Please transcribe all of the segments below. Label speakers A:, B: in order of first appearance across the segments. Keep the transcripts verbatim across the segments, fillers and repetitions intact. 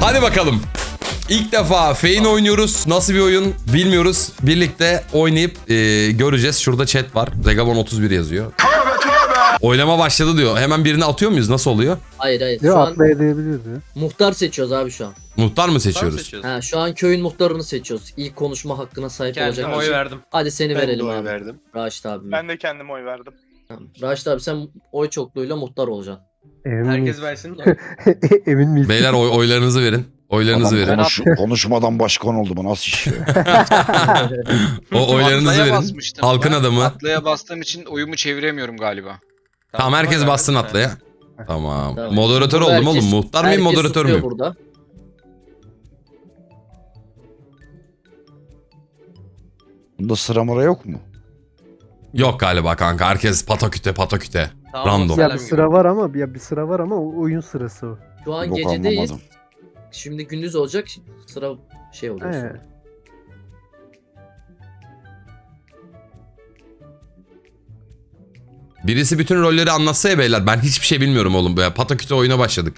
A: Hadi bakalım. İlk defa Fein oynuyoruz. Nasıl bir oyun bilmiyoruz. Birlikte oynayıp e, göreceğiz. Şurada chat var. Zegabon otuz bir yazıyor. Oylama başladı diyor. Hemen birini atıyor muyuz? Nasıl oluyor?
B: Hayır hayır.
C: Yok
B: Şu an
C: atlayabiliriz ya.
B: muhtar seçiyoruz abi şu an.
A: Muhtar mı seçiyoruz?
D: Seçiyoruz.
B: Ha, şu an köyün muhtarını seçiyoruz. İlk konuşma hakkına sahip
D: Kendim
B: olacak.
D: oy
B: kişi.
D: verdim.
B: Hadi seni
E: Ben de
B: verelim
E: oy
B: abi.
E: verdim.
B: Raşit abi.
F: Ben de kendime oy verdim.
B: Tamam. Raşit abi sen oy çokluğuyla muhtar olacaksın.
C: Emin
D: Herkes
C: miyiz?
D: versin.
C: Emin miyiz?
A: Beyler oy, oylarınızı verin. Oylarınızı
G: Adam
A: verin.
G: konuş, konuşmadan başkan oldu, bu nasıl iş ya?
A: O oylarınızı
H: Atlaya
A: verin.
H: basmıştım
A: Halkın
H: ben.
A: adamı.
H: Atlaya bastığım için oyumu çeviremiyorum galiba.
A: Tamam, herkes
D: oy
A: bassın
D: verdim.
A: atlaya. Tamam.
B: Tamam.
A: Moderatör
B: Burada
A: oldum oğlum.
B: herkes-
A: Muhtar mıyım,
B: herkes
A: moderatör
B: tutuyor
A: müyüm?
B: Burada.
G: Bunda sıra mıra yok mu?
A: Yok galiba kanka. Herkes pataküte pataküte.
D: Tamam,
A: Random.
C: Ya
D: selam
C: bir sıra var ama ya bir sıra var ama o oyun sırası o.
B: Şu an
G: Yok,
B: gecedeyiz.
G: anlamadım.
B: Şimdi gündüz olacak. Sıra şey oluyor.
C: He.
B: sonra.
A: Birisi bütün rolleri anlatsa ya beyler. Ben hiçbir şey bilmiyorum oğlum. Böyle pataküte oyuna başladık.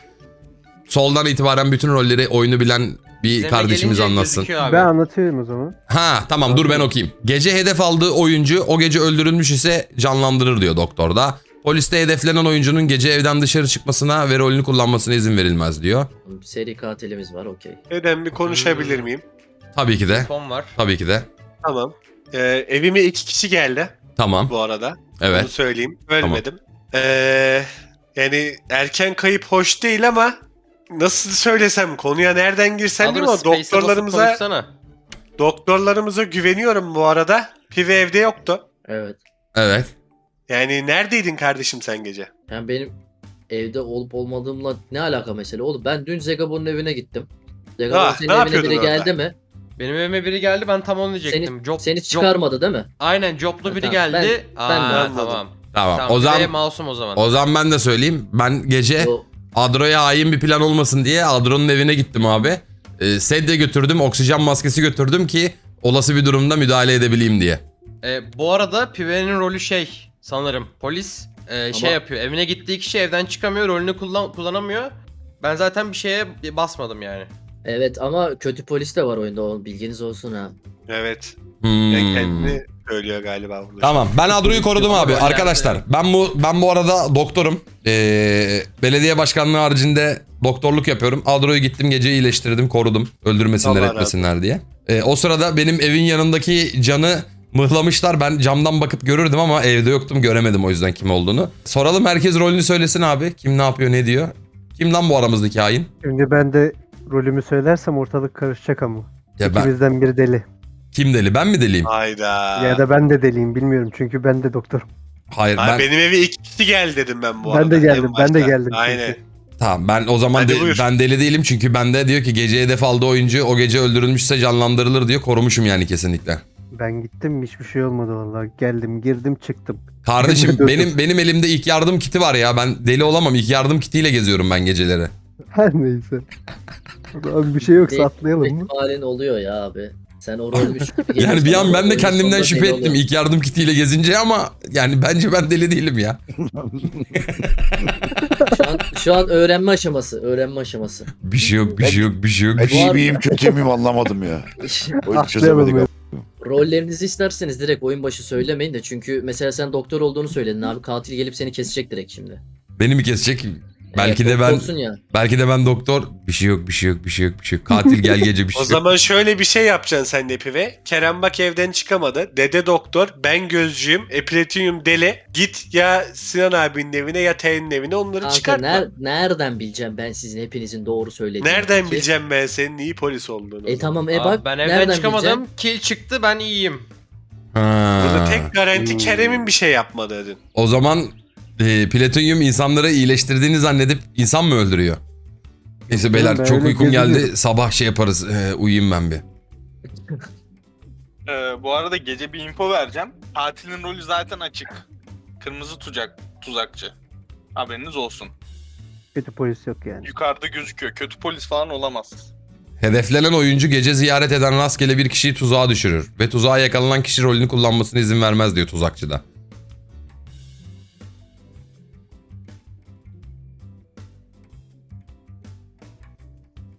A: Soldan itibaren bütün rolleri oyunu bilen bir
D: İzleme
A: kardeşimiz
D: gelince
A: anlatsın.
D: gözüküyor abi.
C: Ben anlatıyorum o zaman.
A: Ha tamam, dur ben okuyayım. Gece hedef aldığı oyuncu o gece öldürülmüş ise canlandırır diyor doktorda. Poliste hedeflenen oyuncunun gece evden dışarı çıkmasına ve rolünü kullanmasına izin verilmez diyor.
B: Seri katilimiz var okey.
E: Neden bir konuşabilir miyim?
A: Tabii ki de.
D: Fon var.
A: Tabii ki de.
E: Tamam. Ee, evime iki kişi geldi
A: Tamam.
E: bu arada.
A: Evet.
E: Bunu söyleyeyim. Ölmedim. Ee, yani erken kayıp hoş değil ama nasıl söylesem, konuya nereden girsem değil mi?
D: Alırız, space'e basıp
E: Doktorlarımıza,
D: konuşsana.
E: doktorlarımıza güveniyorum bu arada. Pive evde yoktu.
B: Evet.
A: Evet.
E: Yani neredeydin kardeşim sen gece?
B: Yani benim evde olup olmadığımla ne alaka mesela? Oğlum ben dün Zegabon'un evine gittim. Zegabon
E: Ah,
B: senin
E: ne
B: evine
E: yapıyordun
B: biri
E: orada?
B: geldi mi?
D: Benim evime biri geldi, ben tam onu diyecektim.
B: Seni,
D: Job,
B: seni
D: job-
B: çıkarmadı değil mi?
D: Aynen, joblu biri
B: Tamam,
D: geldi.
B: ben- ben de
D: Aa,
E: anladım.
D: tamam.
A: Tamam.
D: Tamam.
A: O zaman
D: Masum o zaman.
A: o zaman ben de söyleyeyim. Ben gece
B: O,
A: Adro'ya hain bir plan olmasın diye Adro'nun evine gittim abi. Ee, sedye götürdüm, oksijen maskesi götürdüm ki olası bir durumda müdahale edebileyim diye.
D: Ee, bu arada Pive'nin rolü şey sanırım. Polis e, şey
B: Ama-
D: yapıyor. Evine gittiği kişi evden çıkamıyor, rolünü kullan kullanamıyor. Ben zaten bir şeye basmadım yani.
B: evet ama kötü polis de var oyunda, o bilginiz olsun ha.
E: Evet.
A: Hmm.
E: Yani kendini söylüyor galiba burada.
A: Tamam, ben Adro'yu korudum abi
D: Roller
A: arkadaşlar.
D: yani.
A: Ben bu ben bu arada doktorum. Ee, belediye başkanlığı haricinde doktorluk yapıyorum. Adro'yu gittim gece iyileştirdim, korudum. Öldürmesinler,
E: Allah razı
A: etmesinler diye. Ee, o sırada benim evin yanındaki canı mıhlamışlar. Ben camdan bakıp görürdüm ama evde yoktum, göremedim o yüzden kim olduğunu. Soralım, herkes rolünü söylesin abi. Kim ne yapıyor, ne diyor? Kim lan bu aramızdaki hain?
C: Şimdi ben de rolümü söylersem ortalık karışacak ama.
A: Ya ben,
C: İkimizden biri deli.
A: kim deli, ben mi deliyim?
E: Hayda.
C: Ya da ben de deliyim bilmiyorum çünkü ben de doktorum.
A: Hayır
E: Ay,
A: ben
E: benim eve iki kişi geldi dedim ben bu
C: Ben
E: arada.
C: de geldim,
E: en
C: ben de
E: başta.
C: geldim
E: Aynen.
C: çünkü.
A: tamam, ben o zaman
E: Hadi
A: de-
E: buyur.
A: ben deli değilim çünkü bende diyor ki gece hedef aldığı oyuncu o gece öldürülmüşse canlandırılır diyor. Korumuşum yani kesinlikle.
C: Ben gittim hiçbir şey olmadı vallahi. Geldim, girdim, çıktım.
A: Kardeşim
C: Kendim
A: benim benim elimde ilk yardım kiti var ya. Ben deli olamam. İlk yardım kitiyle geziyorum ben geceleri.
C: Her neyse. Abi bir şey yoksa atlayalım mı?
B: İhtimalin oluyor ya abi. Sen o rolmüş gibi
A: Yani bir
B: gelirsen
A: an ben de
B: oyunun
A: kendimden
B: sonunda
A: şüphe
B: deli
A: ettim
B: oluyor.
A: ilk yardım kitiyle gezince ama yani bence ben deli değilim ya.
B: Şu an, şu an öğrenme aşaması. Öğrenme aşaması.
A: Bir şey yok, bir şey yok, bir şey yok.
G: Ben
A: bir şey-
G: iyi miyim kötü müyüm anlamadım ya. Oyunu
C: Atlayalım
G: çözemedik.
C: ya.
B: Rollerinizi isterseniz direkt oyun başı söylemeyin de, çünkü mesela sen doktor olduğunu söyledin abi, katil gelip seni kesecek direkt şimdi.
A: Beni mi kesecek? Belki
B: Evet,
A: de ben
B: doktorsun ya.
A: belki de ben doktor. Bir şey yok, bir şey yok, bir şey yok, bir şey yok. Katil gel gece bir şey
E: O
A: yok.
E: zaman şöyle bir şey yapacaksın sen de Pive. Kerem bak evden çıkamadı. Dede doktor, ben gözcüyüm, e Platinum deli. Git ya Sinan abinin evine ya T'nin evine, onları
B: Kanka
E: çıkartma.
B: ner- nereden bileceğim ben sizin hepinizin doğru söylediğini?
E: Nereden
B: Peki?
E: bileceğim ben senin iyi polis olduğunu?
B: E tamam, e
D: Abi
B: bak
D: ben evden
B: nereden
D: çıkamadım.
B: bileceğim?
D: Kill çıktı, ben iyiyim.
A: Ha.
E: Burada tek garanti
C: Hmm.
E: Kerem'in bir şey yapmadığı dedin.
A: O zaman e, Platinyum insanları iyileştirdiğini zannedip insan mı öldürüyor? Neyse beyler
C: Ben
A: çok
C: öyle
A: uykum geldi.
C: geziniyorum.
A: Sabah şey yaparız. E, uyuyayım ben bir.
F: Ee, bu arada gece bir info vereceğim. Katilin rolü zaten açık. Kırmızı tuzak, tuzakçı. Haberiniz olsun.
C: Kötü polis yok yani.
F: Yukarıda gözüküyor. Kötü polis falan olamaz.
A: Hedeflenen oyuncu gece ziyaret eden rastgele bir kişiyi tuzağa düşürür. Ve tuzağa yakalanan kişi rolünü kullanmasına izin vermez diyor tuzakçıda.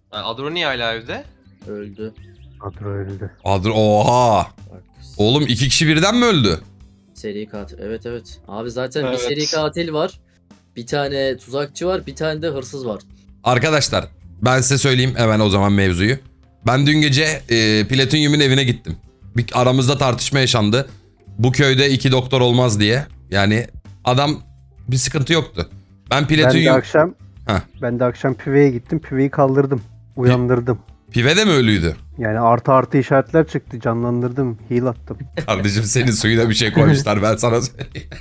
D: Yani Adro niye hala evde?
B: Öldü.
C: Kadro öldü.
A: Adro oha.
B: Bak,
A: Oğlum iki kişi birden mi öldü?
B: seri katil. Evet evet. Abi zaten bir
H: Evet.
B: seri katil var. Bir tane tuzakçı var. Bir tane de hırsız var.
A: Arkadaşlar ben size söyleyeyim hemen o zaman mevzuyu. Ben dün gece e, Platinyum'un evine gittim. Bir aramızda tartışma yaşandı. Bu köyde iki doktor olmaz diye. Yani adam bir sıkıntı yoktu. Ben
C: Ben de
A: Platinyum...
C: akşam
A: Heh.
C: ben de akşam Pive'ye gittim. Pive'yi kaldırdım. Uyandırdım.
A: Pive de mi ölüydü?
C: Yani artı artı işaretler çıktı. Canlandırdım. Heal attım.
A: Kardeşim senin suyuna bir şey koymuşlar ben sana söyleyeyim.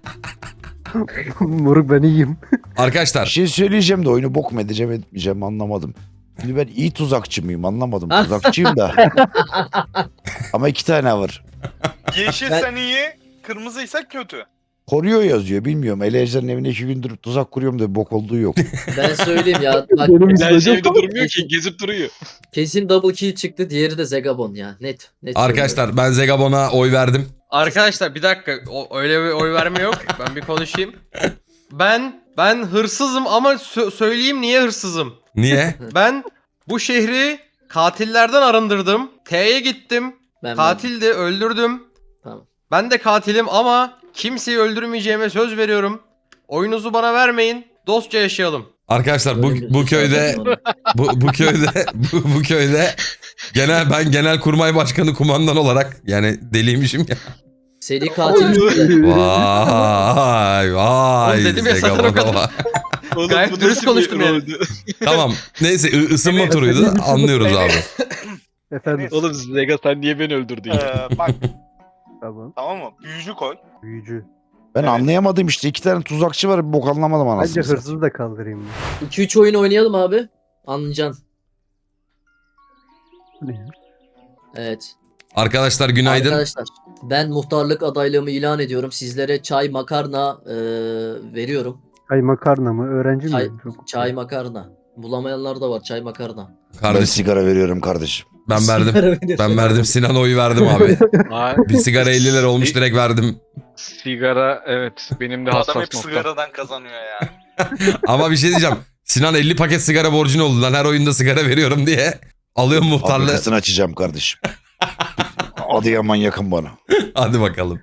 C: Moruk ben iyiyim.
G: Bir
A: Arkadaşlar
G: şey söyleyeceğim de oyunu bok mu edeceğim etmeyeceğim anlamadım. Şimdi ben iyi tuzakçı mıyım anlamadım. Tuzakçıyım da. Ama iki tane var.
F: Yeşilsen iyi, kırmızıysa kötü.
G: Koruyor yazıyor bilmiyorum. Ele Ejder'in evine iki gündür tuzak kuruyorum da bok olduğu yok.
B: Ben söyleyeyim ya. Bak,
C: Benim
H: Her
C: izledim.
H: şey evde durmuyor ki gezip duruyor.
B: kesin double kill çıktı. Diğeri de Zegabon ya. Net. net söylüyorum.
A: arkadaşlar ben Zegabon'a oy verdim.
D: Arkadaşlar bir dakika. O, öyle bir oy verme yok. Ben bir konuşayım. Ben ben hırsızım ama sö- söyleyeyim niye hırsızım.
A: Niye?
D: Ben bu şehri katillerden arındırdım. T'ye gittim.
B: Ben
D: Katildi, öldürdüm.
B: Tamam.
D: Ben de katilim ama kimseyi öldürmeyeceğime söz veriyorum. Oyunuzu bana vermeyin. Dostça yaşayalım.
A: Arkadaşlar bu
B: Böyle bir
A: bu
B: şey
A: köyde
B: söyledim
A: bu, bu köyde bu, bu köyde genel ben genel kurmay başkanı kumandan olarak yani deliymişim ya.
B: Seri katil çıktı.
A: Vay vay.
D: Oğlum dedim ya, zaten o
A: Zegabon'a
D: kadar.
A: bak.
H: Oğlum,
D: Gayet
H: bu
D: dürüst
H: nasıl bir
D: konuştum yani.
H: roldü?
A: Tamam. Neyse ı- ısınma
F: Evet.
A: turuydu. Anlıyoruz abi.
C: Efendim.
H: Oğlum Zega sen niye beni öldürdün ya?
F: Ee, bak
C: Tamam.
F: tamam mı? Büyücü koy.
C: Büyücü.
G: Ben
F: Evet.
G: anlayamadım işte. İki tane tuzakçı var. Bir bok anlamadım
C: Bence
G: anasını. satayım.
C: hırsızı da kaldırayım. ben.
B: iki üç oyun oynayalım abi. Anlayacaksın.
C: Bu ne ya?
B: Evet.
A: Arkadaşlar günaydın.
B: Arkadaşlar ben muhtarlık adaylığımı ilan ediyorum. Sizlere çay makarna e, veriyorum.
C: Çay makarna mı? Öğrenci
B: Çay,
C: miyim? Çok-
B: çay makarna. Bulamayanlar da var çay makarna.
G: Ben
A: Kardeşim
G: sigara veriyorum kardeşim.
A: ben verdim.
B: Sigara veriyorum.
A: Ben verdim. Sinan oyu verdim abi.
H: Aa,
A: Bir sigara elli lira olmuş direkt verdim.
H: sigara evet benim de
F: Bu
H: hassas
F: adam hep
H: noktam.
F: sigaradan kazanıyor ya.
A: Ama bir şey diyeceğim. Sinan elli paket sigara borcun oldu lan her oyunda sigara veriyorum diye. Alıyorum muhtarlığı.
G: Fabrikasını açacağım kardeşim. Adıyaman yakın bana.
A: Hadi bakalım.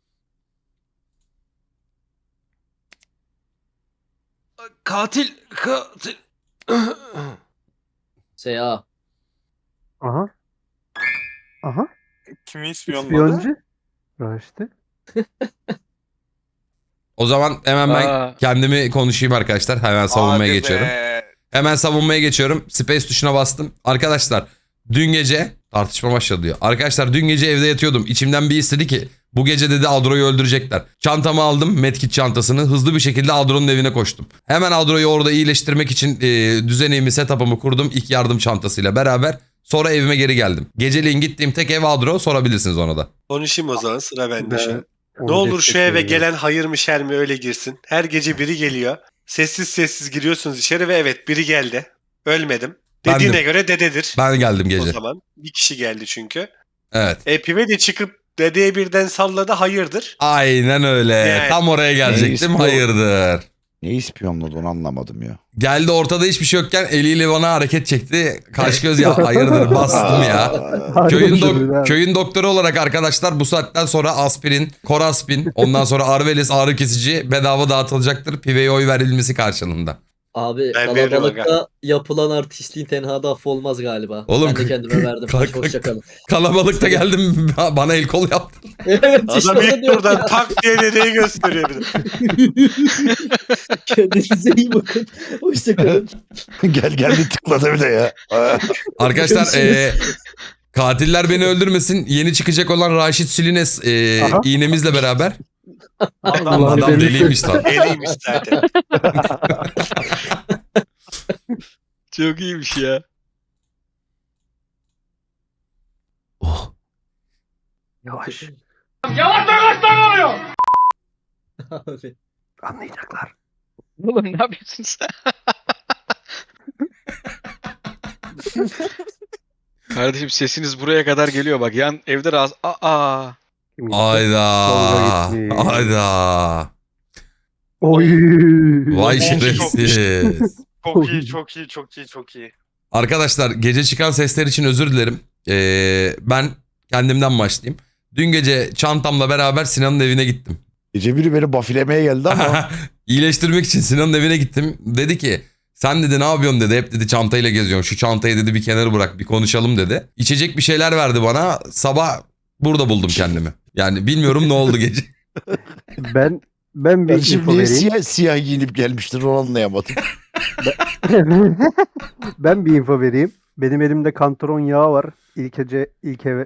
D: Katil, katil.
B: S A.
C: Aha. Aha.
F: Kimi ispiyonladı?
C: İspiyoncu. Raşit'i.
A: O zaman hemen ben
H: Aa.
A: kendimi konuşayım arkadaşlar. Hemen savunmaya
F: Hadi
A: geçiyorum.
F: be.
A: Hemen savunmaya geçiyorum. Space tuşuna bastım. Arkadaşlar dün gece tartışma başladı diyor. Arkadaşlar dün gece evde yatıyordum. İçimden bir istedi ki bu gece dedi Adro'yu öldürecekler. Çantamı aldım. Medkit çantasını. Hızlı bir şekilde Adro'nun evine koştum. Hemen Adro'yu orada iyileştirmek için e, düzenimi, setup'ımı kurdum. İlk yardım çantasıyla beraber. Sonra evime geri geldim. Geceliğin gittiğim tek ev Adro. Sorabilirsiniz ona da.
E: Konuşayım o zaman sıra bende
C: Ben
E: şu an.
C: onu
E: Ne olur şu eve
C: destekliyorum.
E: gelen hayır mı şer mi öyle girsin. Her gece biri geliyor. Sessiz sessiz giriyorsunuz içeri ve evet biri geldi. Ölmedim. Dediğine
A: Bendim.
E: göre dededir.
A: Ben geldim
E: O
A: gece.
E: zaman bir kişi geldi çünkü.
A: Evet.
E: E Pive de çıkıp dedeye birden salladı hayırdır.
A: Aynen öyle.
E: Yani.
A: Tam oraya gelecektim.
G: Neyse, bu-
A: Hayırdır.
G: Ne ispiyonladı onu anlamadım ya.
A: Geldi ortada hiçbir şey yokken eliyle bana hareket çekti. Kaş göz ya hayırdır bastım ya.
C: Harika
A: Köyün,
C: bir şey
A: dok-
C: ha.
A: köyün doktoru olarak arkadaşlar bu saatten sonra aspirin, koraspin, ondan sonra Arvelis ağrı kesici bedava dağıtılacaktır. Piveye oy verilmesi karşılığında.
B: Abi
E: Ben veririm
B: kalabalıkta yapılan artistliğin tenhada affolmaz galiba.
A: Oğlum,
B: ben de kendime verdim.
A: kalk-
B: Hadi hoşçakalın.
A: Kalabalıkta geldim bana el kol yaptı.
B: Evet işte
E: Adam
B: onu
E: ilk
B: diyorum
E: buradan
B: ya.
E: tak diye dedeyi gösteriyor bir de.
B: Kendinize iyi bakın. Hoşçakalın.
G: Gel geldi tıkladı bir de ya. Aa.
A: Arkadaşlar eee, katiller beni öldürmesin. Yeni çıkacak olan Raşit Sülines eee,
C: Aha.
A: iğnemizle beraber.
F: Adam,
C: Allah'ın
A: Adam
C: delisi.
A: deliymiş lan.
E: Deliymiş zaten.
H: Çok iyiymiş ya.
A: Oh.
C: Yavaş.
B: Abi.
C: Anlayacaklar.
H: Oğlum ne yapıyorsun sen? Kardeşim sesiniz buraya kadar geliyor bak yan evde rahatsız. Aa.
C: Kim gitti?
A: Ayda.
C: Tolga gitti.
A: Ayda.
C: Oy.
A: Vay
F: Çok iyi, çok
A: şerefsiz.
F: çok iyi, çok iyi, çok iyi, çok iyi.
A: Arkadaşlar gece çıkan sesler için özür dilerim. Ee, ben kendimden başlayayım. Dün gece çantamla beraber Sinan'ın evine gittim.
G: Gece biri beni bafilemeye geldi ama
A: İyileştirmek için Sinan'ın evine gittim. Dedi ki sen dedi ne yapıyorsun dedi. Hep dedi çantayla geziyorsun. Şu çantayı dedi bir kenara bırak bir konuşalım dedi. İçecek bir şeyler verdi bana. Sabah burada buldum kendimi. Yani bilmiyorum ne oldu gece.
C: Ben ben bir
G: kardeşim
C: info
G: niye
C: vereyim.
G: siyah, siyah giyinip gelmiştir onu anlayamadım.
C: Ben bir info vereyim. Benim elimde kantaron yağı var. İlk gece ilk eve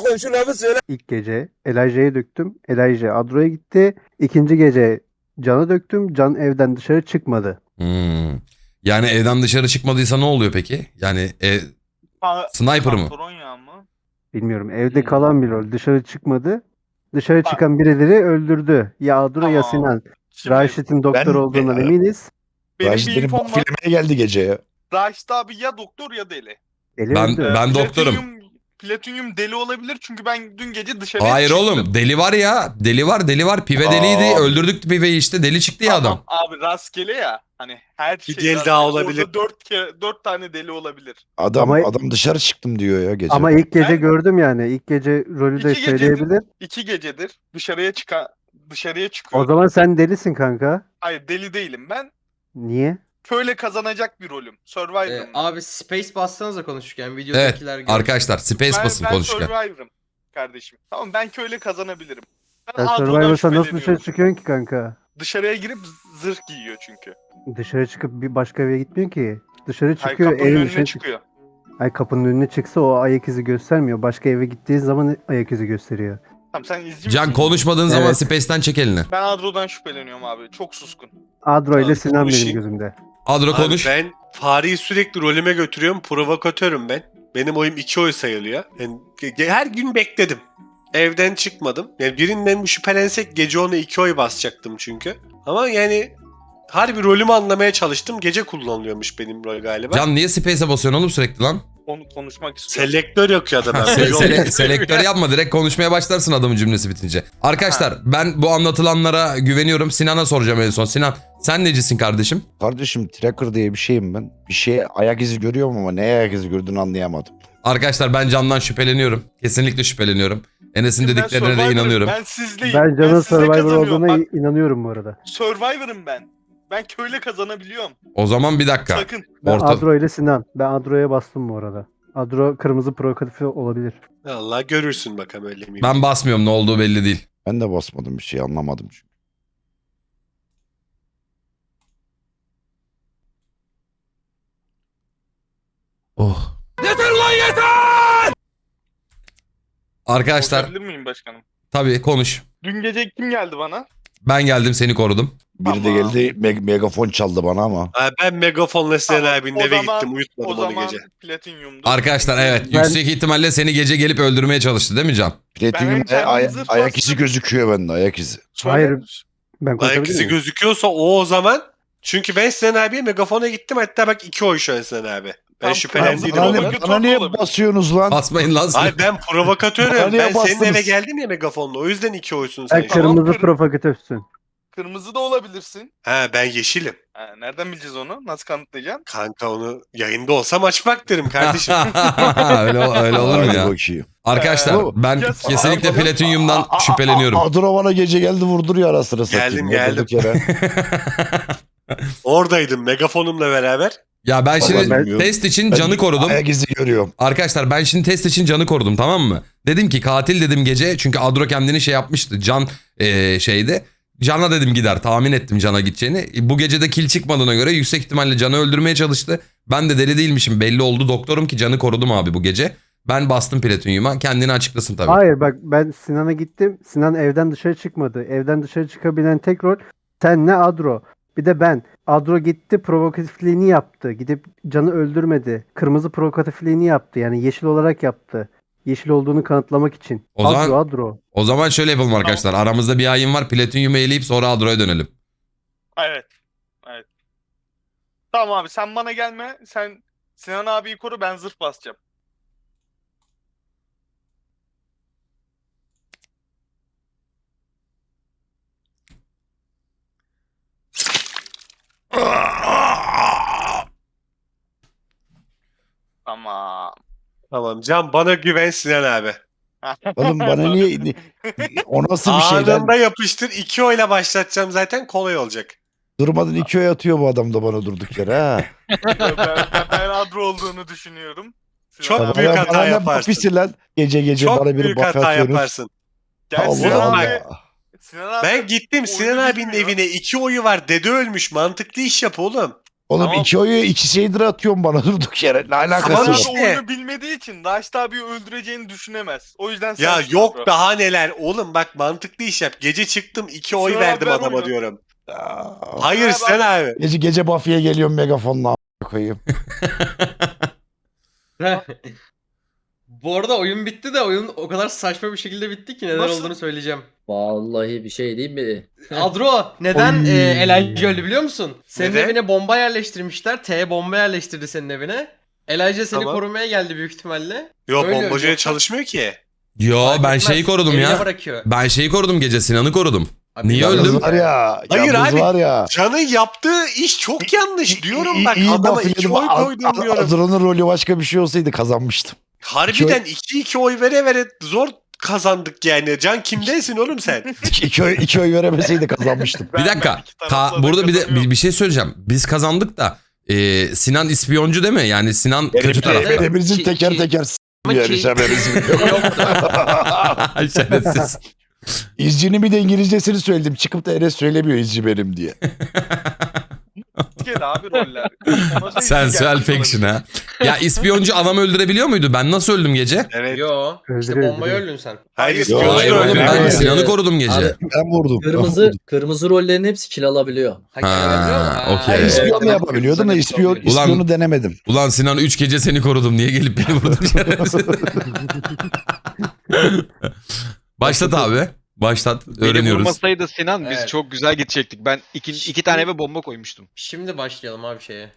C: ilk gece Elijah'ya döktüm. Elijah Adro'ya gitti. İkinci gece Can'a döktüm. Can evden dışarı çıkmadı.
A: Hmm. Yani evden dışarı çıkmadıysa ne oluyor peki? Yani e,
F: Ha,
A: sniper mı?
F: Pantolon yağı mı?
C: Bilmiyorum. Evde
F: Hmm.
C: kalan bir rol. Dışarı çıkmadı. Dışarı
F: Bak.
C: çıkan birileri öldürdü. Ya Adro ya
F: Tamam.
C: Sinan.
F: Şimdi
C: Raşit'in doktor
G: Ben-
C: olduğundan
G: ben-
C: eminiz.
F: benim
G: Raşit
F: bir
G: beni
F: infom var.
G: bafilemeye geldi gece ya.
F: Raşit abi ya doktor ya deli.
C: Eli
A: Ben-
C: öldü.
A: ben-
F: Ee,
A: doktorum.
F: Platinyum- Platinyum deli olabilir çünkü ben dün gece dışarıya
A: Hayır
F: çıktım.
A: oğlum deli var ya. Deli var deli var. Pive
G: Aa.
A: deliydi. Öldürdük piveyi işte. Deli çıktı ya adam.
F: Tamam abi rastgele ya. Hani her şey
E: Bir deli
F: rastgele.
E: daha
F: Orada
E: olabilir.
F: Dört, kere, dört tane deli olabilir.
G: Adam
C: Ama-
G: adam dışarı çıktım diyor ya gece.
C: Ama ilk gece
F: Ben-
C: gördüm yani. İlk gece rolü de
F: İki gecedir-
C: söyleyebilir.
F: İki gecedir dışarıya çıkan dışarıya çıkıyor.
C: O zaman sen delisin kanka.
F: Hayır deli değilim ben.
C: Niye?
F: Köyle kazanacak bir rolüm. Survivor'ım.
D: Ee, abi space bassanıza konuşurken
A: Evet
D: videodakiler görsün.
A: arkadaşlar Space
F: ben,
A: basın
F: ben
A: konuşurken.
F: Survivor'ım kardeşim. Tamam ben köyle kazanabilirim. Ben
C: Sen
F: Adro'dan
C: Survivor'sa nasıl dışarı
F: şüpheleniyorum.
C: çıkıyorsun ki kanka?
F: Dışarıya girip zırh giyiyor çünkü.
C: Dışarı çıkıp bir başka eve gitmiyor ki. Dışarı
F: Hayır
C: çıkıyor
F: kapının
C: evin
F: önüne
C: dışına çık.
F: çıkıyor.
C: Ay kapının önüne çıksa o ayak izi göstermiyor. Başka eve gittiği zaman ayak izi gösteriyor.
F: Tamam sen izci
A: Can
F: misin?
A: konuşmadığın zaman
C: Evet.
A: Space'ten çek elini.
F: Ben Adro'dan şüpheleniyorum abi. Çok suskun.
C: Adro ile
E: Tamam,
C: Sinan benim
E: konuşayım.
C: gözümde.
A: Adro
E: Abi
A: konuş.
E: ben fareyi sürekli rolüme götürüyorum. Provokatörüm ben. Benim oyum iki oy sayılıyor. Yani ge- ge- her gün bekledim. Evden çıkmadım. Yani birinden bir şüphelensek gece ona iki oy basacaktım çünkü. Ama yani harbi rolümü anlamaya çalıştım. Gece kullanılıyormuş benim rol galiba.
A: Can niye Space'e basıyorsun oğlum sürekli lan?
F: Onu konuşmak istiyorum.
E: Selektör yok ya da ben.
A: Se-
E: Yol-
A: sele- selektör yapma direkt konuşmaya başlarsın adamın cümlesi bitince. Arkadaşlar ben bu anlatılanlara güveniyorum. Sinan'a soracağım en son. Sinan sen necisin kardeşim?
G: Kardeşim tracker diye bir şeyim ben. Bir şeye ayak izi görüyorum ama neye ayak izi gördüğünü anlayamadım.
A: Arkadaşlar ben Can'dan şüpheleniyorum. Kesinlikle şüpheleniyorum. Enes'in
F: Ben
A: dediklerine de
F: Survivor'ım,
A: inanıyorum.
F: Ben sizleyim.
C: Ben Can'ın
F: size
C: Survivor
F: kazanıyorum.
C: olduğuna
F: Bak,
C: inanıyorum bu arada.
F: Survivor'ım ben. Ben köyle kazanabiliyorum.
A: O zaman bir dakika.
F: Sakın.
C: Ben
A: Orta...
C: Adro ile Sinan. Ben Adro'ya bastım bu arada. Adro kırmızı provokatif olabilir.
E: Allah görürsün bakalım öyle miyim?
A: Ben basmıyorum ne olduğu belli değil.
G: Ben de basmadım bir şey anlamadım çünkü.
A: Oh. Yeter lan yeter! Arkadaşlar
F: Konuşabilir miyim başkanım?
A: tabii konuş.
F: Dün gece kim geldi bana?
A: Ben geldim seni korudum.
G: Biri de
F: Tamam.
G: geldi me- megafon çaldı bana ama.
E: Ha, ben megafonla Sinan
F: Tamam,
E: abinin
F: o
E: eve
F: zaman-
E: gittim. Uyutmadım
F: O
E: onu
F: zaman
E: gece.
F: platinyumdu.
A: Arkadaşlar evet
C: Ben-
A: yüksek ihtimalle seni gece gelip öldürmeye çalıştı değil mi Can?
G: Platinum
F: kendim
G: ay-
F: zırh
G: ayak
F: bastım.
G: izi gözüküyor bende ayak izi.
F: Söyle.
C: Hayır. Ben
E: Ayak
C: konuşabilir
E: izi
C: miyim?
E: gözüküyorsa o o zaman. Çünkü ben Sinan abiye megafona gittim. Hatta bak iki oy şu an Sinan abi. Ben
F: Tam
E: şüphelendiydim
F: kırmızı
E: o
G: Bana,
F: olan-
E: zaman.
G: ne, bana niye
F: olabilir.
G: basıyorsunuz lan?
A: Basmayın lan.
E: Ay ben
G: Bana
E: provokatörüm.
G: niye
E: Ben senin
G: bastınız?
E: eve geldim ya megafonla. O yüzden iki oysun sen.
C: Sen
E: şu an.
F: Tamam,
C: kırmızı
F: kır-
C: provokatifsin.
F: Kırmızı da olabilirsin.
E: Ha ben yeşilim.
F: Ha, nereden bileceğiz onu? Nasıl kanıtlayacaksın?
E: Kanka onu yayında olsam açmak derim kardeşim.
A: öyle, öyle olur mu
G: Hadi
A: ya?
G: bakayım.
A: Arkadaşlar
G: Ee,
A: ben
F: ya-
A: kesinlikle
F: Aa,
A: platinyumdan
G: Aa, aa,
A: şüpheleniyorum.
G: aa, Adro bana gece geldi vurduruyor ara sıra satayım.
E: Geldim,
G: ya, durduk yere.
E: Oradaydım megafonumla beraber.
A: Ya ben şimdi
G: Vallahi bilmiyorum.
A: test için
G: Ben
A: Can'ı korudum.
G: Ayak izi görüyorum.
A: Arkadaşlar ben şimdi test için Can'ı korudum tamam mı? Dedim ki katil dedim gece çünkü Adro kendini şey yapmıştı. Can eee, şeydi. Can'a dedim gider tahmin ettim Can'a gideceğini. Bu gece de kill çıkmadığına göre yüksek ihtimalle Can'ı öldürmeye çalıştı. Ben de deli değilmişim belli oldu. Doktorum ki Can'ı korudum abi bu gece. Ben bastım platinyuma kendini açıklasın tabii.
C: Hayır bak ben Sinan'a gittim. Sinan evden dışarı çıkmadı. Evden dışarı çıkabilen tek rol senle Adro. Bir de ben. Adro gitti provokatifliğini yaptı. Gidip Can'ı öldürmedi. Kırmızı provokatifliğini yaptı. Yani yeşil olarak yaptı. Yeşil olduğunu kanıtlamak için.
A: O zaman-
C: Adro Adro.
A: O zaman şöyle yapalım arkadaşlar. Aramızda bir hain var platinyumu eleyip sonra Adro'ya dönelim.
F: Evet. Evet. Tamam abi sen bana gelme. Sen Sinan abiyi koru ben zırh basacağım. Tamam.
E: Tamam Can bana güven Sinan abi.
G: Oğlum bana niye... ni- O nasıl bir şey lan?
E: Anında yapıştır. iki oyla başlatacağım zaten kolay olacak.
G: Durmadan iki oy atıyor bu adam da bana durduk yere ha.
F: ben, ben, ben Adro olduğunu düşünüyorum.
E: Çok
F: Sinan abi-
E: büyük
G: Bana-
E: hata
G: bana ne
E: yaparsın.
G: Buffy'si lan? Gece gece
E: Çok
G: bana bir
E: büyük
G: buff
E: hata
G: atıyorsunuz.
E: yaparsın.
F: Gel Sinan
G: Allah
F: abi.
G: Allah.
F: Sinan abi
E: Ben gittim
F: oyunu
E: Sinan abinin
F: bilmiyor.
E: evine iki oyu var. Dede ölmüş. Mantıklı iş yap oğlum.
G: Oğlum
F: Tamam.
G: iki oyu iki şeydir atıyorsun bana durduk yere. Ne
F: Sinan
G: alakası
E: Tamam
F: abi
G: var?
E: işte.
F: oyunu bilmediği için Raşit abiyi öldüreceğini düşünemez. O yüzden sen
E: Ya
F: Sinan
E: yok
F: Adro.
E: daha neler. Oğlum bak mantıklı iş yap. Gece çıktım iki oy
F: Sinan abi
E: verdim
F: ver
E: adama
F: oyunu.
E: diyorum.
G: Aa,
E: Hayır
F: Sinan abi-
E: Sinan abi.
G: Gece gece Buffy'ye geliyorum megafonla a**a koyayım.
D: Bu arada oyun bitti de oyun o kadar saçma bir şekilde bitti ki neden
F: Nasıl?
D: olduğunu söyleyeceğim.
B: Vallahi bir şey değil mi?
D: Adro neden
C: Oy.
D: e, Elijah öldü biliyor musun? Senin
E: Neden?
D: evine bomba yerleştirmişler. T bomba yerleştirdi senin evine. Elijah seni
E: Tamam.
D: korumaya geldi büyük ihtimalle.
E: Yok
D: Öyle
E: bombacıya
D: yoksa-
E: çalışmıyor ki.
A: Yo
D: Fark
A: ben
D: etmez,
A: şeyi korudum
D: evine
A: ya.
D: bırakıyor.
A: Ben şeyi korudum gece, Sinan'ı korudum.
D: Abi,
A: Niye
D: yalnız
A: öldüm?
G: Yalnız var ya.
E: Hayır
G: yalnız
E: abi.
G: var ya.
E: Can'ın yaptığı iş çok yanlış diyorum
G: İyi-
E: bak
G: iyi
E: adama iki
G: Buffy'ledim.
E: oy
G: Ad-
E: koydum
G: Ad-
E: diyorum.
G: Adro'nun rolü başka bir şey olsaydı kazanmıştım.
E: Harbiden iki iki oy vere vere zor kazandık yani. Can kimdensin oğlum sen?
G: iki, oy, iki oy veremeseydi kazanmıştım.
F: Ben-
A: Bir dakika.
F: ben iki tarafla
A: Ka-
F: da
A: burada bir de
F: kazanıyorum.
A: bir, bir şey söyleyeceğim. Biz kazandık da e, Sinan ispiyoncu değil mi? Yani Sinan kötü tarafta.
D: evet.
G: Hepimizin
D: Ki-
G: teker
D: ki-
G: teker s***
D: Ama
G: yani
D: ki-
G: haberiniz yok.
A: Şerefsiz.
G: İzcinin bir de İngilizcesini söyledim. Çıkıp da Enes söylemiyor izci benim diye.
F: Gel abi roller. Nasıl
A: Sensual
F: gelmiş
A: fiction
F: olabilir?
A: ha. Ya ispiyoncu adam öldürebiliyor muydu? Ben nasıl öldüm gece?
E: Evet.
D: Yo. İşte
C: Öldürüyor,
D: bombayı
C: öldürüyor.
D: öldün sen.
E: Hayır
F: Hayır,
E: ispiyoncu
A: Hayır
E: da
A: oğlum
E: öyle.
A: ben
B: Evet.
A: Sinan'ı korudum gece.
B: Abi,
G: Ben vurdum.
B: Kırmızı kırmızı rollerin hepsi kill alabiliyor.
D: Ha,
A: Ha,
D: ha,
A: okey.
G: Ben
A: Evet,
G: ispiyon
B: evet.
G: yapabiliyordum da ispiyon,
B: Ulan-
G: ispiyonu denemedim.
A: Ulan Sinan üç gece seni korudum. Niye gelip beni vurdun şerefsiz? Başlat abi. Başlat.
H: Beni
A: Öğreniyoruz.
H: vurmasaydı Sinan biz
D: Evet.
H: çok güzel gidecektik. Ben iki, iki tane eve bomba koymuştum.
D: Şimdi başlayalım abi şeye.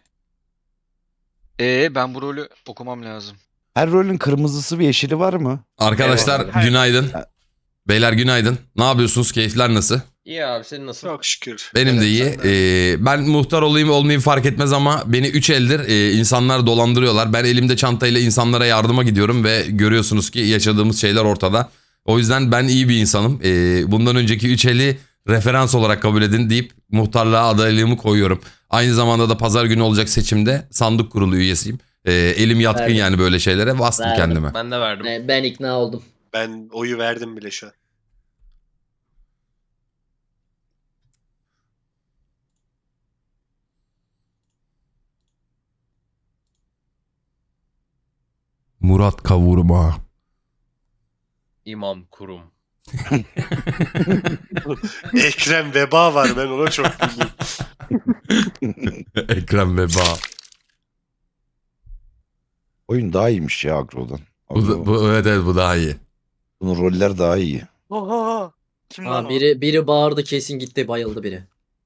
H: Ee ben bu rolü okumam lazım.
G: Her rolün kırmızısı ve yeşili var mı?
A: Arkadaşlar
F: Eyvallah.
A: günaydın. Beyler günaydın. Ne yapıyorsunuz? Keyifler nasıl?
D: İyi abi senin nasıl?
E: Çok şükür.
A: Benim
E: Evet,
A: de iyi.
E: sen de.
A: Ee, ben muhtar olayım olmayayım fark etmez ama beni üç eldir e, insanlar dolandırıyorlar. Ben elimde çantayla insanlara yardıma gidiyorum ve görüyorsunuz ki yaşadığımız şeyler ortada. O yüzden ben iyi bir insanım. Ee, bundan önceki üç eli referans olarak kabul edin deyip muhtarlığa adaylığımı koyuyorum. Aynı zamanda da pazar günü olacak seçimde sandık kurulu üyesiyim. Ee, elim yatkın
B: Verdim.
A: yani böyle şeylere. Bastım
B: Verdim.
A: kendime.
D: Ben de verdim.
B: Ben, ben ikna oldum.
E: Ben oyu verdim bile şu an.
A: Murat Kavurma.
D: İmam kurum.
E: Ekrem Veba var ben ona çok güldüm.
A: Ekrem Veba.
G: Oyun daha iyiymiş ya Agro'dan.
A: Bu, da- bu, evet evet bu daha iyi.
G: Bunun roller daha iyi.
F: Oha! Kim lan
B: Ha,
F: o?
B: biri biri bağırdı kesin gitti bayıldı biri.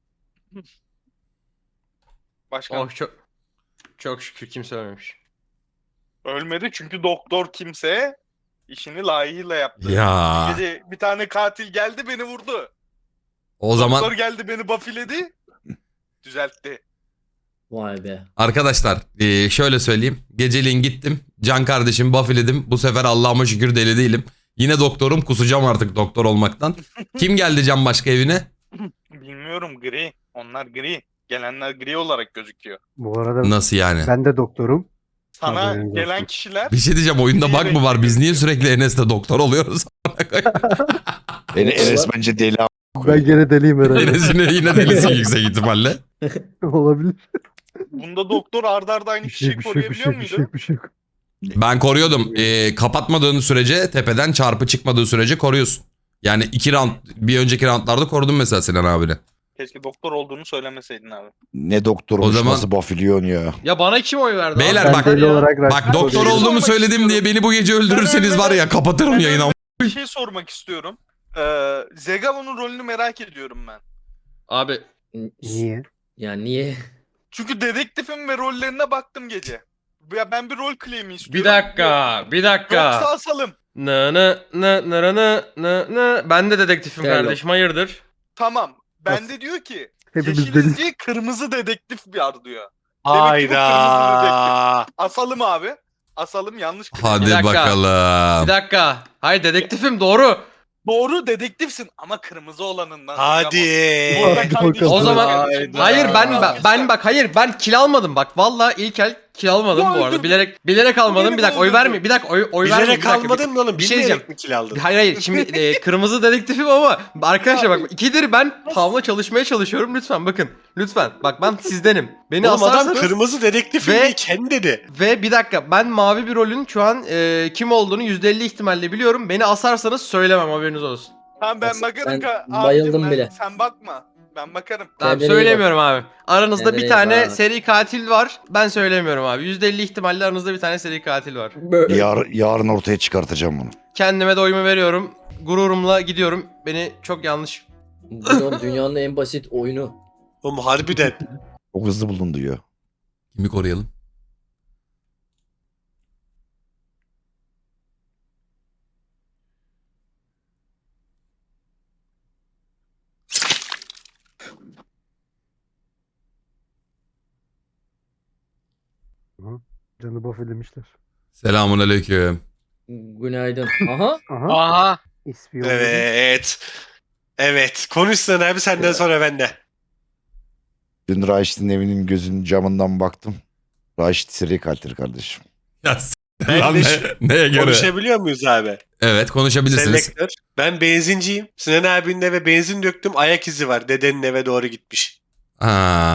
F: Başkan.
D: Oh çok çok şükür kimse ölmemiş.
F: Ölmedi çünkü doktor kimse işini layığıyla yaptı.
A: Ya
F: Gece bir tane katil geldi beni vurdu.
A: o zaman
F: Doktor geldi beni buffiledi. Düzeltti.
B: Vay be.
A: arkadaşlar e, şöyle söyleyeyim. Geceliğin gittim. Can kardeşim buffledim. Bu sefer Allah'ıma şükür deli değilim. Yine doktorum, kusacağım artık doktor olmaktan. Kim geldi Can başka evine?
F: Bilmiyorum gri. Onlar gri. Gelenler gri olarak gözüküyor.
C: Bu arada
A: Nasıl yani?
C: ben de doktorum.
F: Sana
C: Haberiniz
F: gelen
C: olsun.
F: kişiler
A: Bir şey diyeceğim, oyunda bug mı var? Biz niye sürekli Enes'le doktor oluyoruz?
G: En, Enes bence deli a**.
C: Ben gene deliyim herhalde.
A: Enes'in yine delisi yüksek ihtimalle.
C: Olabilir.
F: bunda doktor arda arda aynı
C: Bir şey,
F: kişiyi
C: bir şey, bir
F: koruyabiliyor
C: şey, bir şey,
F: muydu?
C: bir şey yok.
A: Ben koruyordum. E, kapatmadığın sürece, tepeden çarpı çıkmadığı sürece koruyorsun. Yani iki round, bir önceki roundlarda korudum mesela Sinan abini.
F: Keşke doktor olduğunu söylemeseydin abi.
G: Ne doktormuş
A: O zaman-
G: nasıl buffiliyon ya.
D: Ya bana kim oy verdi?
A: Beyler
D: abi?
A: bak-
C: Ben deli
D: Ya.
C: olarak
A: Bak
C: Raşit'i
A: doktor
C: koruyorum.
A: olduğumu
F: sormak
A: söyledim
F: istiyorum.
A: diye beni bu gece öldürürseniz var ya kapatırım
F: Ben
A: yayını.
F: ölmeden Bir şey sormak istiyorum. Ee, Zegabon'un rolünü merak ediyorum ben.
D: Abi
C: Niye?
B: Yani niye?
F: Çünkü dedektifim ve rollerine baktım gece. Ya ben bir rol claim'i istiyorum.
D: bir dakika, bir dakika.
F: Yoksa asalım.
D: Nı nı nı nı nı nı nı. Ben de dedektifim
B: Gel
D: kardeşim, hayırdır?
F: Tamam.
C: Nasıl?
F: Bende diyor ki
C: Hepimiz
F: yeşil
C: deli.
F: izci kırmızı dedektif var diyor. Demek ki bu kırmızı
E: Hayda.
F: Asalım abi. asalım yanlış.
A: Hadi
D: Bir dakika.
A: bakalım.
D: Bir dakika. Hayır dedektifim doğru.
F: Doğru dedektifsin ama kırmızı olanından.
E: Hadi.
F: Burada
C: Hadi
F: kaydı işte.
C: bakalım.
D: O zaman
F: Hayda.
D: hayır ben ben, ben bak hayır ben kil almadım bak. Vallahi ilk el kil almadım bu arada. Bilerek bilerek almadım. Bir dakika oy verme. Bir dakika oy oy verme.
E: Bilerek almadın mı oğlum?
D: Bir şey
E: Bilmeyerek
D: diyeceğim.
E: mi kill aldın?
D: Hayır hayır şimdi e, kırmızı dedektifim ama arkadaşlar bak ikidir ben Pav'la çalışmaya çalışıyorum lütfen bakın lütfen bak ben sizdenim beni
E: Oğlum adam
D: asarsanız
E: kırmızı dedektifim
D: Ve-
E: diye kendi dedi.
D: ve bir dakika ben mavi bir rolün şu an e, kim olduğunu yüzde elli ihtimalle biliyorum beni asarsanız söylemem haberiniz olsun.
F: Tamam ben
B: Ben
F: bakarım ka
B: bayıldım
F: abicim, ben-
B: bile.
F: Sen bakma. Ben bakarım.
D: Tamam
B: Kendine iyi
D: söylemiyorum abi aranızda
B: Kendine
D: bir
B: iyi
D: tane
B: bak.
D: seri katil var ben söylemiyorum abi yüzde elli ihtimalle aranızda bir tane seri katil var.
B: Böyle.
G: Yar, yarın ortaya çıkartacağım bunu.
D: Kendime de oyumu veriyorum gururumla gidiyorum beni çok yanlış
B: Oğlum dünyanın en basit oyunu.
E: Oğlum harbiden.
G: Çok hızlı bulundu ya.
A: Kimi koruyalım?
C: Canı buff edilmişler.
A: Selamun aleyküm.
B: Günaydın. Aha.
C: Aha.
H: Aha.
C: İspiyon.
E: Evet. Evet. Konuş sen abi senden sonra bende.
G: Dün Raşit'in evinin gözünün camından baktım. Raşit seri katil kardeşim.
A: Ya s-
E: Ben
A: lan
E: de
A: ne-
E: şu-
A: neye göre?
E: Konuşabiliyor muyuz abi?
A: Evet konuşabilirsiniz.
E: Selektör. Ben benzinciyim. Sinan abinin eve benzin döktüm. Ayak izi var. Dedenin eve doğru gitmiş.
A: Ha,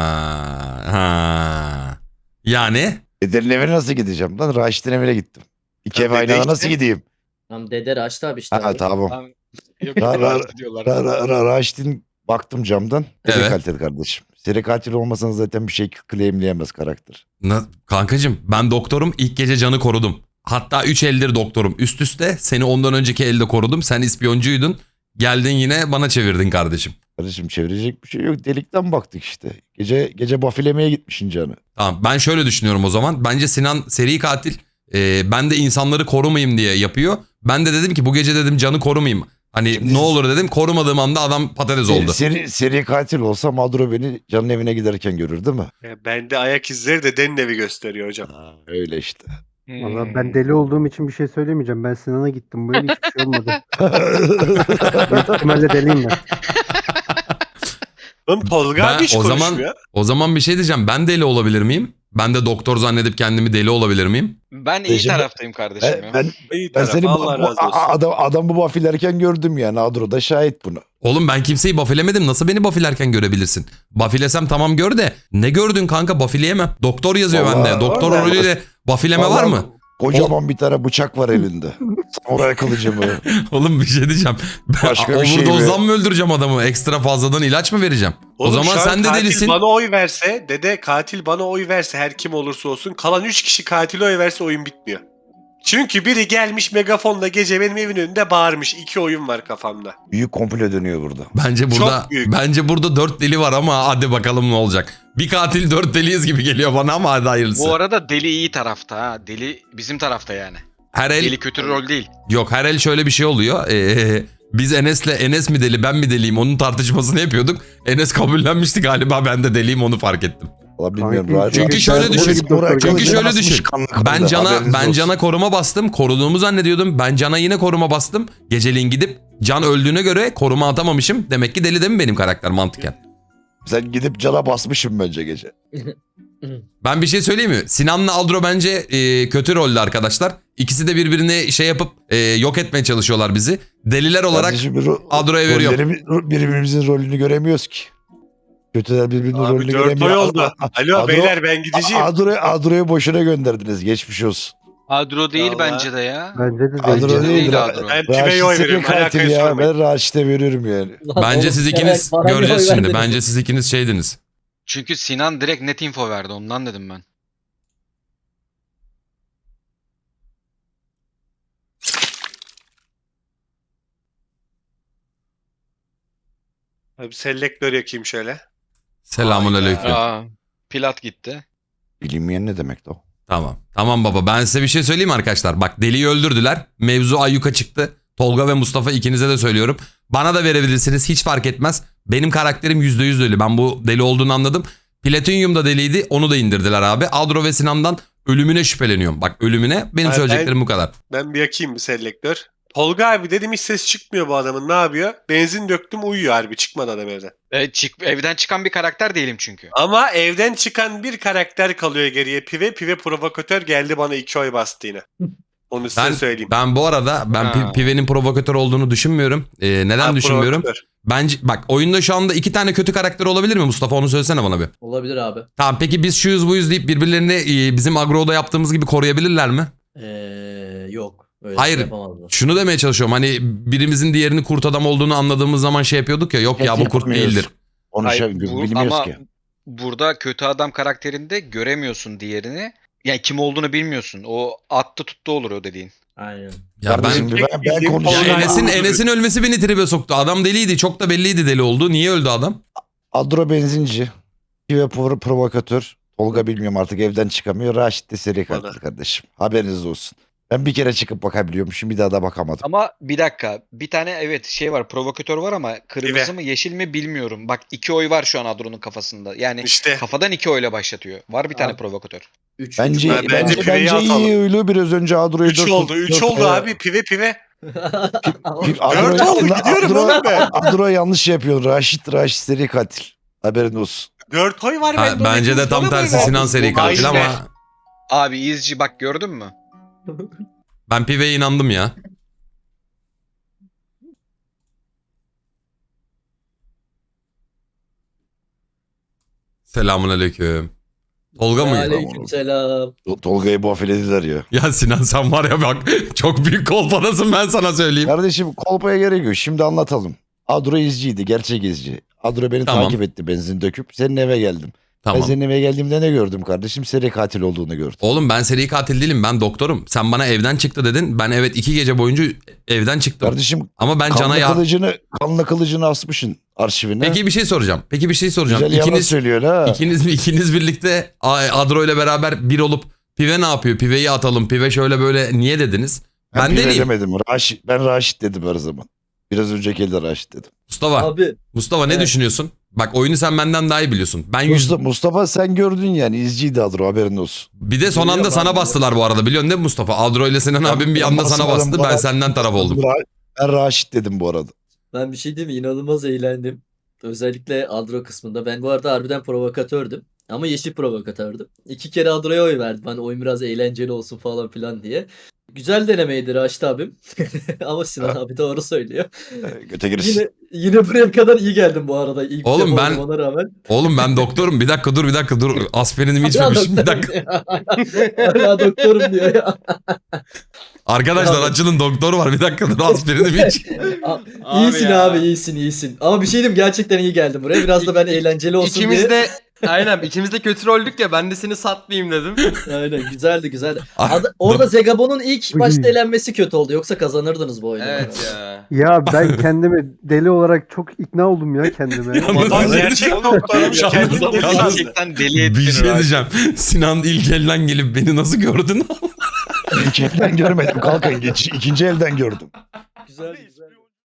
A: ha. Yani
G: Dedenin evine nasıl gideceğim lan? Raşit'in evine gittim. İki
E: Ya
G: ev aynı
E: dede
G: anda
E: işte.
G: nasıl gideyim?
B: Tam dede Raşit abi işte.
G: Ha
B: abi.
G: tamam.
H: Lan, yok,
G: Ra- ra-
H: rahat diyorlar.
G: Ra, ra, ra, Raşit'in baktım camdan. Seri
A: Evet.
G: katil kardeşim. Seri katil olmasanız zaten bir şey claimleyemez karakter.
A: na- kankacım ben doktorum ilk gece Can'ı korudum. Hatta üç eldir doktorum üst üste seni ondan önceki elde korudum. Sen ispiyoncuydun. Geldin yine bana çevirdin kardeşim.
G: Kardeşim çevirecek bir şey yok. Delikten baktık işte. Gece gece bafilemeye gitmişsin canı.
A: Tamam ben şöyle düşünüyorum o zaman. Bence Sinan seri katil. Ee, ben de insanları korumayayım diye yapıyor. Ben de dedim ki bu gece dedim Can'ı korumayayım. Hani
G: Şimdi-
A: ne olur dedim korumadığım anda adam patates oldu.
G: Seri, seri katil olsa Madro beni Can'ın evine giderken görür değil mi?
E: Ya bende ayak izleri dedenin evi gösteriyor hocam.
G: Ha, öyle işte.
H: Hmm.
C: Valla ben deli olduğum için bir şey söylemeyeceğim. Ben Sinan'a gittim. Bu yıl hiçbir şey olmadı. Büyük ihtimalle deliyim ben.
E: Oğlum Tolga
A: Ben
E: abi hiç
A: o zaman-
E: konuşmuyor.
A: O zaman bir şey diyeceğim. Ben deli olabilir miyim? Ben de doktor zannedip kendimi deli olabilir miyim?
H: Ben iyi
G: Kardeşim,
H: taraftayım kardeşim
G: ben,
H: ya.
G: ben,
E: İyi
G: ben
E: taraf,
G: seni bu,
E: Allah
G: bu-
E: razı olsun.
G: a- adam, adam bu bafilerken gördüm yani. Adro da şahit buna.
A: Oğlum ben kimseyi bafilemedim. Nasıl beni bafilerken görebilirsin? Bafilesem tamam gör de. Ne gördün kanka bafileyemem. Doktor yazıyor
G: Vallahi-
A: bende. Doktor
G: vallahi-
A: rolüyle bafileme var
G: Vallahi
A: mı?
G: Kocaman bir tane bıçak var elinde. Samuray kılıcı mı?
A: Oğlum bir şey diyeceğim. Ben
G: Başka bir şey mi?
A: overdose'dan mı öldüreceğim adamı? Ekstra fazladan ilaç mı vereceğim?
E: Oğlum
A: o zaman
E: şu an
A: sen de
E: katil
A: delisin.
E: bana oy verse, dede katil bana oy verse her kim olursa olsun kalan üç kişi katile oy verse oyun bitmiyor. Çünkü biri gelmiş megafonla gece benim evin önünde bağırmış. İki oyun var kafamda.
G: Büyük komplo dönüyor burada.
A: Bence burada
E: Çok büyük.
A: bence burada dört deli var ama hadi bakalım ne olacak. Bir katil dört deliyiz gibi geliyor bana ama hadi hayırlısı.
H: Bu arada deli iyi tarafta ha. Deli bizim tarafta yani.
A: her el
H: Deli kötü rol değil.
A: yok her el şöyle bir şey oluyor. Ee, biz Enes'le Enes mi deli ben mi deliyim onun tartışmasını yapıyorduk. Enes kabullenmişti galiba ben de deliyim onu fark ettim.
G: Valla bilmiyorum.
C: Çünkü
G: Rahat-
A: Çünkü şöyle
G: Samuray
A: düşün.
G: kılıcı
A: Çünkü şöyle
G: basmış
A: düşün.
G: kanlı
A: Ben
G: kanlı,
A: Can'a
G: haberiniz
A: ben
G: olsun.
A: Can'a koruma bastım. Koruduğumu zannediyordum. Ben Can'a yine koruma bastım. Geceliğin gidip Can öldüğüne göre koruma atamamışım. Demek ki deli değil mi benim karakter mantıken?
G: Sen gidip Can'a basmışsın bence gece.
A: Ben bir şey söyleyeyim mi? Sinan'la Aldro bence e, kötü rollü arkadaşlar. İkisi de birbirini şey yapıp e, yok etmeye çalışıyorlar bizi. Deliler olarak
G: Kardeşim, bir ro-
A: Adro'ya veriyorum.
G: rolleri- birbirimizin rolünü göremiyoruz ki. Kötüler birbirinin
E: Abi
G: rolünü
E: dört oy
G: göremiyor.
E: oldu. Alo
G: Adro-
E: beyler ben gideceğim.
G: Adro'yu Adro'yu boşuna gönderdiniz. Geçmiş olsun.
H: Adro değil
E: Vallahi.
H: bence de ya.
C: Bence de
G: Adro
C: değil.
H: değil
G: değil.
H: Adro.
E: Ben kime
G: Raşit
E: oy
G: seri
E: veriyorum
G: katil
E: alakayı
G: ya.
E: sormayın.
G: Ben Raşit'e veriyorum yani.
A: Bence
B: Oğlum,
A: siz
B: evet,
A: ikiniz
B: bana bir oy
A: göreceğiz şimdi.
B: verdiniz.
A: Bence siz ikiniz şeydiniz.
H: Çünkü Sinan direkt net info verdi ondan dedim ben.
E: Abi selektör yakayım şöyle.
A: Selamun aleyküm.
H: Aa, Pilat gitti.
G: Bilinmeyen ne demek o?
A: Tamam. Tamam baba ben size bir şey söyleyeyim mi arkadaşlar? Bak deliyi öldürdüler. Mevzu ayyuka çıktı. Tolga ve Mustafa ikinize de söylüyorum. Bana da verebilirsiniz hiç fark etmez. Benim karakterim yüzde yüz deli. Ben bu deli olduğunu anladım. Platinyum da deliydi onu da indirdiler abi. Adro ve Sinan'dan ölümüne şüpheleniyorum. Bak ölümüne benim
E: Ha,
A: söyleyeceklerim
E: ben-
A: bu kadar.
E: Ben bir yakayım bir selektör. Tolga abi dedim hiç ses çıkmıyor bu adamın ne yapıyor? Benzin döktüm uyuyor harbi çıkmadı adam evden.
H: E, çık, evden çıkan bir karakter değilim çünkü.
E: Ama evden çıkan bir karakter kalıyor geriye Pive. Pive provokatör geldi bana iki oy bastı yine. Onu size
A: Ben,
E: söyleyeyim.
A: ben bu arada ben
H: Ha.
A: Pi- Pive'nin provokatör olduğunu düşünmüyorum. Ee, neden
E: Ha,
A: düşünmüyorum?
E: provokatör.
A: Bence bak oyunda şu anda iki tane kötü karakter olabilir mi Mustafa? Onu söylesene bana bir.
B: Olabilir abi.
A: Tamam peki biz şuyuz buyuz deyip birbirlerini e, bizim agroda yaptığımız gibi koruyabilirler mi?
B: Ee, yok. Öyle
A: Hayır.
B: şey yapamazlar.
A: Şunu demeye çalışıyorum. Hani birimizin diğerini kurt adam olduğunu anladığımız zaman şey yapıyorduk ya. Yok ya bu kurt
G: Yapamıyoruz.
A: değildir.
G: Onu
H: Hayır,
G: şey,
H: bu-
G: bilmiyoruz
H: ama
G: ki.
H: burada kötü adam karakterinde göremiyorsun diğerini. Yani kim olduğunu bilmiyorsun. O attı tuttu olur o dediğin.
B: Aynen.
A: Ya ben
G: Kardeşim, ben, ben,
E: bildiğim
A: ya
G: konuşayım.
E: Tolga-
A: Enes'in Enes'in ölmesi beni tribe soktu. Adam deliydi. Çok da belliydi deli olduğu. Niye öldü adam?
G: Adro benzinci. Pive pro- provokatör. Tolga bilmiyorum artık evden çıkamıyor. Raşit de seri katil
E: Bana.
G: kardeşim. Haberiniz olsun. Ben bir kere çıkıp bakabiliyormuşum. Bir daha da bakamadım.
H: Ama bir dakika. Bir tane evet şey var. Provokatör var ama kırmızı
E: Pive.
H: mı yeşil mi bilmiyorum. Bak iki oy var şu an Adro'nun kafasında. Yani
E: İşte
H: kafadan iki oyla başlatıyor. Var bir tane
B: Abi.
H: provokatör.
B: Üç,
G: Bence
B: üç-
E: Ben-
G: bence,
E: bence
G: bence,
E: Pive'yi atalım.
G: iyi öyle biraz önce Adro'yu
E: üç oldu. üç oldu abi Pive Pive.
G: Adro,
E: Dört oldu, gidiyorum
G: Adro,
E: oğlum ben.
G: Adro yanlış yapıyor. Raşit Raşit seri katil. Haberin olsun.
E: dört oy var
A: Ha,
E: bende.
A: bence de tam tersi Sinan seri katil
E: Aynen.
A: ama
H: Abi izci bak gördün mü?
A: ben Pive'ye inandım ya. Selamun aleyküm. Tolga mı?
B: Aleykümselam.
G: Tol- Tolga'yı bu afilediler ya.
A: Ya Sinan sen var ya bak çok büyük kolpadasın ben sana söyleyeyim.
G: Kardeşim kolpaya gerek yok. Şimdi anlatalım. Adro izciydi. Gerçek izci. Adro beni
A: Tamam.
G: takip etti benzin döküp. Senin eve geldim. Ben
A: Tamam.
G: senin eve geldiğimde ne gördüm kardeşim? Seri katil olduğunu gördüm.
A: Oğlum ben seri katil değilim ben doktorum. Sen bana evden çıktı dedin. Ben evet iki gece boyunca evden çıktım.
G: Kardeşim
A: Ama ben Can'a
G: kanla
A: ya...
G: kılıcını, kanla kılıcını asmışsın arşivine.
A: Peki bir şey soracağım. Peki bir şey soracağım.
G: Güzel yalan
A: İkiniz,
G: söylüyor ha.
A: ikiniz, ikiniz birlikte Adro ile beraber bir olup Pive ne yapıyor? Pive'yi atalım. Pive şöyle böyle niye dediniz? Ben,
G: Ben,
A: ben
G: Pive
A: deliyim.
G: demedim. Raşit, ben Raşit dedim her zaman. Biraz önceki elde Raşit dedim.
A: Mustafa.
B: Abi
A: Mustafa ne
B: Evet.
A: düşünüyorsun? Bak oyunu sen benden daha iyi biliyorsun. Ben yüz...
G: Mustafa, Mustafa sen gördün yani izciydi Adro haberin olsun.
A: Bir de son anda
B: Biliyorum
A: sana
B: abi.
A: bastılar bu arada. Biliyorsun değil mi Mustafa? Adro ile Sinan
G: Ben-
A: abim bir
G: ben
A: anda sana
G: basmadım
A: bastı.
G: bu
A: Ben
G: arada.
A: senden taraf oldum.
G: Ra- Ben Raşit dedim bu arada.
B: ben bir şey diyeyim mi? İnanılmaz eğlendim. Özellikle Adro kısmında. Ben bu arada harbiden provokatördüm. Ama yeşil provokatördüm. İki kere Adro'ya oy verdim. Hani oyun biraz eğlenceli olsun falan filan diye. Güzel denemeydi Raşit abim. Ama Sinan abi doğru söylüyor.
G: Ee, Göte girsin.
B: Yine yine buraya kadar iyi geldim bu arada. İlk
A: Oğlum
B: defa
A: ben-
B: olmama rağmen.
A: Oğlum ben doktorum. Bir dakika dur bir dakika dur. Aspirinimi içmemişim. Bir dakika.
B: Hala doktorum diyor ya.
A: Arkadaşlar
B: Ya-
A: açılın doktor var. Bir dakika dur aspirinimi iç.
B: iyisin
D: ya.
B: abi iyisin iyisin. Ama bir şey diyeyim gerçekten iyi geldim buraya. Biraz da ben eğlenceli olsun
D: İkimiz
B: diye.
D: de aynen ikimiz de kötü roldük ya ben de seni satmayayım dedim.
B: Aynen güzeldi güzeldi.
A: Ah,
B: Ad- orada Zegabon'un ilk
C: Uy.
B: başta elenmesi kötü oldu. Yoksa kazanırdınız bu oyunu.
D: Evet ya.
C: Ya ben kendimi deli olarak çok ikna oldum ya kendime.
E: Adam gerçek doktormuş kendini deli sandı.
H: Gerçekten deli ettin.
A: Bir şey
H: Raşit.
A: diyeceğim. Sinan ilk elden gelip beni nasıl gördün?
G: İlk elden görmedim. Kalkın geç. İkinci elden gördüm.
B: Güzel güzel.